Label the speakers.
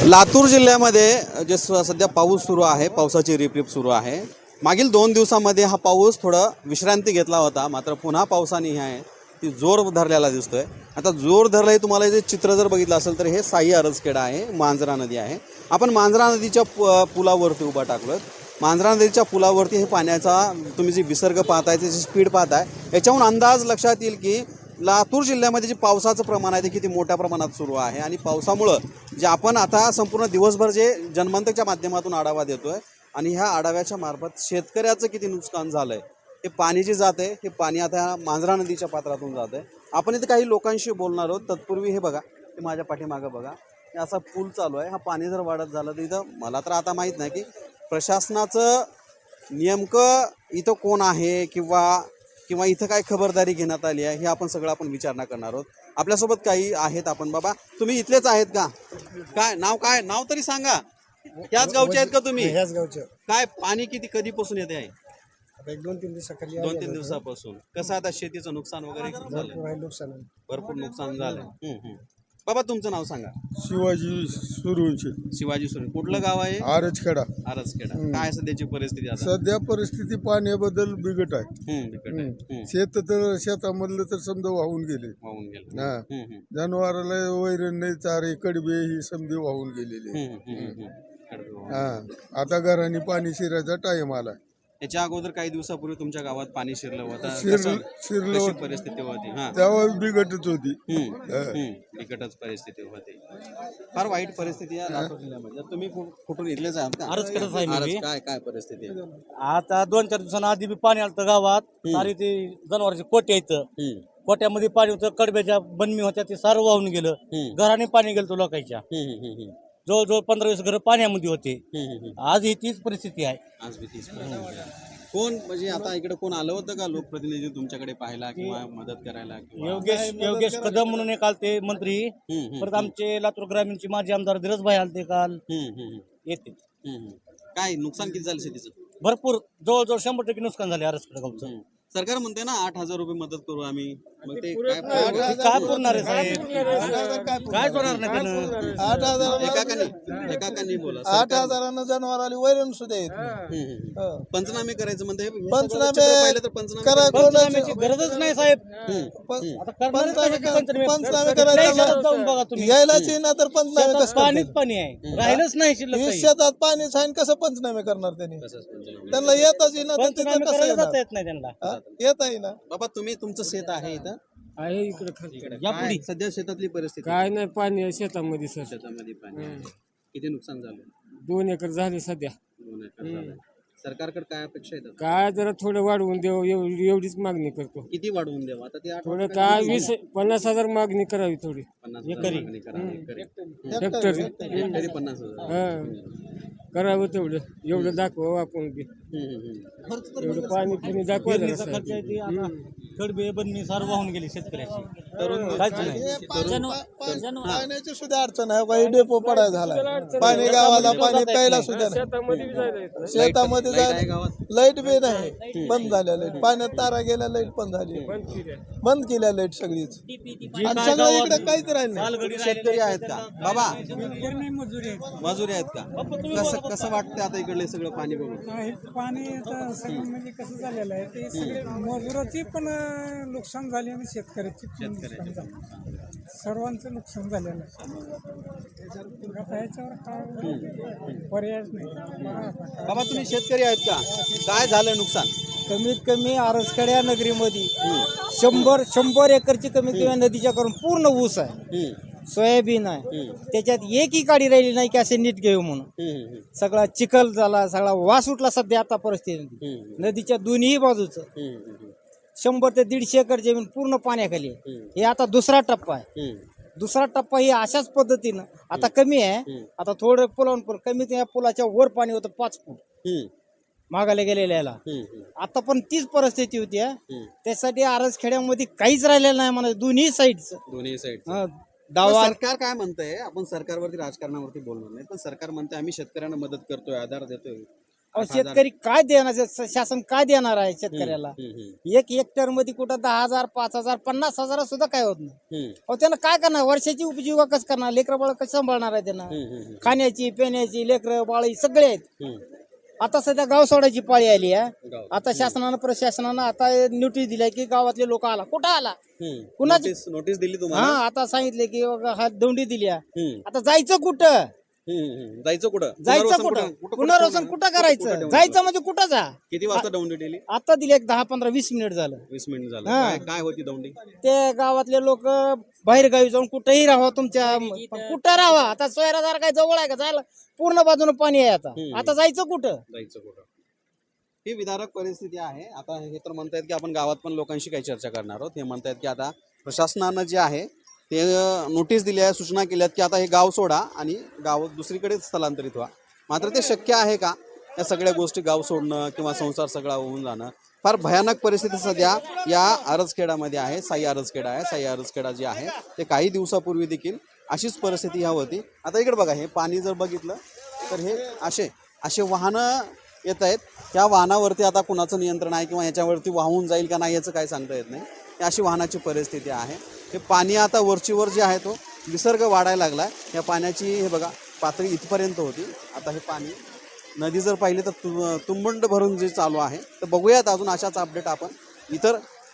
Speaker 1: लातूर जिल्ह्यामध्ये जे सध्या पाऊस सुरू आहे, पावसाची रिपरिप सुरू आहे. मागील 2 दिवसांमध्ये हा पाऊस थोडा विश्रांती घेतला होता, मात्र पुन्हा पावसाने आहे ती जोर धरलेला दिसतोय. आता जोर धरलाय, तुम्हाला जे चित्र जर बघितलं असेल तर हे साई अरसखेडा आहे, मांजरा नदी आहे. आपण मांजरा नदीच्या पुलावरती उभा टाकलोय. मांजरा नदीच्या पुलावरती हे पाण्याचा तुम्ही जी विसर्ग पाहताय, त्याची स्पीड पाहताय, याच्याहून अंदाज लक्षात येईल की लातूर जिल्ह्यामध्ये जे पावसाचं प्रमाण आहे ते किती मोठ्या प्रमाणात सुरू आहे. आणि पावसामुळं जे आपण आता संपूर्ण दिवसभर जे जनमंतच्या माध्यमातून आढावा देतोय आणि ह्या आढाव्याच्या मार्फत शेतकऱ्याचं किती नुकसान झालंय, हे पाणी जे जाते हे पाणी आता मांजरा नदीच्या पात्रातून जाते. आपण इथे काही लोकांशी बोलणार आहोत. तत्पूर्वी हे बघा, हे माझ्या पाठीमागं बघा, हे असा पूल चालू आहे. हा पाणी जर वाढत झालं तर इथं मला तर आता माहीत नाही की प्रशासनाचं नेमकं इथं कोण आहे किंवा इथं काय खबरदारी घेण्यात आली आहे, हे आपण सगळं आपण विचारणा करणार आहोत. आपल्यासोबत काही आहेत. आपण बाबा, तुम्ही इथलेच आहेत का? काय नाव तरी सांगा. ह्याच गावचे आहेत का तुम्ही?
Speaker 2: ह्याच गावचे.
Speaker 1: काय पाणी किती कधीपासून येते आहे?
Speaker 2: आता 1-2-3 दिवसाखाली
Speaker 1: 2-3 दिवसापासून. कसं आता शेतीचं नुकसान वगैरे झालं?
Speaker 2: नुकसान आहे.
Speaker 1: भरपूर नुकसान झालंय. बाबा, तुमचं नाव सांगा.
Speaker 3: शिवाजी सुरूंचे
Speaker 1: शिवाजी सुरे. कुठलं गाव आहे?
Speaker 3: आरचखेडा.
Speaker 1: आरसखेडा. काय सध्याची परिस्थिती आता?
Speaker 3: सध्या परिस्थिती पाण्याबद्दल बिकट आहे.
Speaker 1: बिकट आहे.
Speaker 3: शेतामधलं तर समजा वाहून गेले.
Speaker 1: वाहून गेलं.
Speaker 3: हा, जनावराला वैरण नाही, चारे कडबे ही समजे वाहून गेलेले. हा, आता घराने पाणी शिरायचा टाइम आला.
Speaker 1: याच्या अगोदर काही दिवसापूर्वी तुमच्या गावात पाणी शिरलं होतं.
Speaker 3: शिरलं
Speaker 1: कशी परिस्थिती होती?
Speaker 3: तेव्हा बिकटच होती.
Speaker 1: बिकटच परिस्थिती होती. फार वाईट परिस्थिती आहे लातूर जिल्ह्यामध्ये. तुम्ही कुठून इथलेच आहात का? काय परिस्थिती आहे
Speaker 2: आता 2-4 दिवसांआधी बी पाणी आलं गावात. सारी ते जनावरांचे कोटे आहेत. कोट्यामध्ये पाणी होतं, कडब्याच्या बनमी होत्या, ते सारं वाहून गेलं. घराने पाणी गेलं लोकांच्या. जवळजवळ 15-20 घरं पाण्यामध्ये होते. आज ही तीच परिस्थिती आहे.
Speaker 1: आज बी तीच परिस्थिती आहे. कोण म्हणजे आता इकडे कोण आलं होतं का लोकप्रतिनिधी तुमच्याकडे पाहायला किंवा मदत करायला?
Speaker 2: योगेश कदम म्हणून एक आलते मंत्री. परत आमचे लातूर ग्रामीणचे माजी आमदार धीरजभाई आलते काल. येते.
Speaker 1: काय नुकसान किती झालं शेतीचं?
Speaker 2: भरपूर, जवळजवळ 100% नुकसान झाले आरसखेडा गावचं.
Speaker 1: सरकार म्हणते ना 8,000 रुपये मदत करू आम्ही. मग ते
Speaker 2: काय पुरणार आहे साहेब? काय होणार नाही त्यानं.
Speaker 3: 8,000
Speaker 1: एकाकांनी बोला.
Speaker 3: 8,000 जनावराला वैरण सुद्धा येत.
Speaker 1: पंचनामे करायचं म्हणते.
Speaker 3: पंचनामे
Speaker 1: पाहिलं तर
Speaker 2: पंचनाम्याची गरजच नाही साहेब. आता करणार
Speaker 3: पंचनामे करायचं
Speaker 2: जाऊन बघा तुम्ही.
Speaker 3: यायलाच ना तर पंचनामे कसं
Speaker 2: पाणीच पाणी आहे, राहिलंच नाही शिल्लक काही.
Speaker 3: शेतात पाणी छान कसं पंचनामे करणार त्यांनी? त्यांना येताच येईना तर तिथं
Speaker 2: पंचनामे
Speaker 3: कसं
Speaker 2: करायला
Speaker 3: येणार?
Speaker 2: जाता येत नाही त्यांना.
Speaker 3: येत आहे ना.
Speaker 1: बाबा, तुमचं शेत आहे इथं?
Speaker 4: आहे इकडे खाली.
Speaker 1: काय सध्या शेतातली परिस्थिती?
Speaker 4: काय नाही, पाणी आहे शेतामध्ये सर.
Speaker 1: शेतामध्ये पाणी आहे. किती नुकसान झालं?
Speaker 4: 2 एकर झाले सध्या.
Speaker 1: 2 एकर झालं. सरकारकडे काय अपेक्षा आहेत?
Speaker 4: काय जरा थोडं वाढवून देऊ, एवढीच मागणी करतो.
Speaker 1: किती वाढवून द्यावं आता? ते
Speaker 4: थोडं काय 50,000 मागणी करावी थोडी.
Speaker 1: 50,000 मागणी करा.
Speaker 4: हेक्टरी
Speaker 1: हेक्टरी 50,000.
Speaker 4: हा, करावं तेवढं. एवढं दाखवावं आपण बी. एवढं पाणी फिनी दाखवायचं
Speaker 2: पेरणीचा खर्च आहे ते. आता कडबे बनमी सारं वाहून गेली शेतकऱ्याची. काहीच नाही.
Speaker 3: पाण्याची सुद्धा अडचण आहे. काही डेपो पडाय झाला. पाणी गावाला पाणी प्यायला सुद्धा नाही.
Speaker 4: शेतामध्ये बी जायला येत नाही.
Speaker 3: शेतामध्ये
Speaker 1: आहे
Speaker 3: जायला
Speaker 1: गावात?
Speaker 3: लाईट बी नाही, बंद झाल्या लाईट. पाण्यात तारा गेल्या, लाईट पण झाली, बंद केल्या लाईट सगळीच. आणि सगळं इकडे काहीच राहिलं नाही.
Speaker 1: शेतकरी आहेत का बाबा? मजुरी आहेत का? कसं वाटतं आता इकडले सगळं पाणी बघून?
Speaker 5: पाणी आता सगळं म्हणजे कसं झालेलं आहे ते सगळे मजुराची पण नुकसान झाली आणि शेतकऱ्याची पण नुकसान झालं. सर्वांचं नुकसान झालेलं आहे. आता याच्यावर काय पर्यायच नाही.
Speaker 1: बाबा, तुम्ही शेतकरी आहेत का? काय झालं नुकसान?
Speaker 2: कमीत कमी आरसखेड्या नगरीमध्ये 100 एकरची कमीत कमी नदीच्या करून पूर्ण ऊस आहे, सोयाबीन आहे. त्याच्यात एकही काडी राहिली नाही की असे नीट घेऊ म्हणून. सगळा चिखल झाला, सगळा वास उठला सध्या आता परिस्थिती. नदीच्या दोन्ही बाजूचं 100 ते 150 एकर जमीन पूर्ण पाण्याखाली आहे. हे आता दुसरा टप्पा आहे. दुसरा टप्पा ही अशाच पद्धतीनं आता कमी आहे. आता थोडं पुलावून पण कमी, त्या पुलाच्या वर पाणी होतं 5 फूट मागायला गेलेल्या. आता पण तीच परिस्थिती होती. त्यासाठी आरसखेड्यामध्ये काहीच राहिलेलं नाही म्हणा. दोन्ही साईड दावा.
Speaker 1: सरकार काय म्हणतंय? आपण सरकारवरती राजकारणावरती बोलणार नाही, पण सरकार म्हणते आम्ही शेतकऱ्यांना मदत करतोय, आधार देतोय.
Speaker 2: अहो, शेतकरी काय देणार शासन काय देणार आहे शेतकऱ्याला? एक हेक्टर मध्ये कुठं 10,000 5,000 50,000 सुद्धा काय होत नाही. अहो त्यानं काय करणार? वर्षाची उपजीविका कसं करणार? लेकरं बाळ कसं सांभाळणार आहे त्यांना? खाण्याची पिण्याची लेकरं बाळी सगळे आहेत. आता सध्या गाव सोडायची पाळी आली आहे. आता शासनानं प्रशासनानं आता नोटीस दिल्या की गावातले लोक आला. कुठं आला? कुणाची
Speaker 1: नोटीस दिली
Speaker 2: हा
Speaker 1: तुम्हाला?
Speaker 2: आता सांगितले की बाबा हा दौंडी दिली आहे. आता जायचं कुठं?
Speaker 1: जायचं कुठं?
Speaker 2: जायचं कुठं? पुनर्वसन कुठं करायचं? जायचं म्हणजे कुठं जा?
Speaker 1: किती वाजता दौंडी दिली?
Speaker 2: आता दिली एक 10-15-20 मिनिट झालं.
Speaker 1: 20 मिनिट झालं.
Speaker 2: हा.
Speaker 1: काय होती दौंडी?
Speaker 2: ते गावातले लोक बाहेर गावी जाऊन कुठेही राहा तुमच्या कुठं राहा. आता सोयरादार काय जवळ आहे का? जायला पूर्ण बाजूने पाणी आहे. आता जायचं कुठं?
Speaker 1: जायचं कुठं? ही विदारक परिस्थिती आहे. आता हे तर म्हणतायत की आपण गावात पण लोकांशी काही चर्चा करणार आहोत. हे म्हणतायत की आता प्रशासनानं जे आहे ते नोटीस दिली आहे, सूचना केल्यात की आता हे गाव सोडा आणि गाव दुसरीकडे स्थलांतरित व्हा. मात्र ते शक्य आहे का? या सगळ्या गोष्टी गाव सोडणं किंवा संसार सगळा होऊन जाणं फार भयानक परिस्थिती सध्या या आरजखेडामध्ये आहे. साई आरजखेडा आहे. साई आरजखेडा जे आहे ते काही दिवसापूर्वी देखील अशीच परिस्थिती ह्या होती. आता इकडे बघा, हे पाणी जर बघितलं तर हे असे वाहनं येत आहेत. त्या वाहनावरती आता कुणाचं नियंत्रण आहे किंवा याच्यावरती वाहून जाईल का नाही याचं काही सांगता येत नाही. अशी वाहनाची परिस्थिती आहे. हे पाणी आता वरचीवर जे आहे तो विसर्ग वाढायला लागला आहे. या पाण्याची हे बघा पातळी इथपर्यंत होती. आता हे पाणी नदी जर पाहिली तर तुंबंड भरून जे चालू आहे. तर बघूयात अजून अशाच अपडेट आपण इतर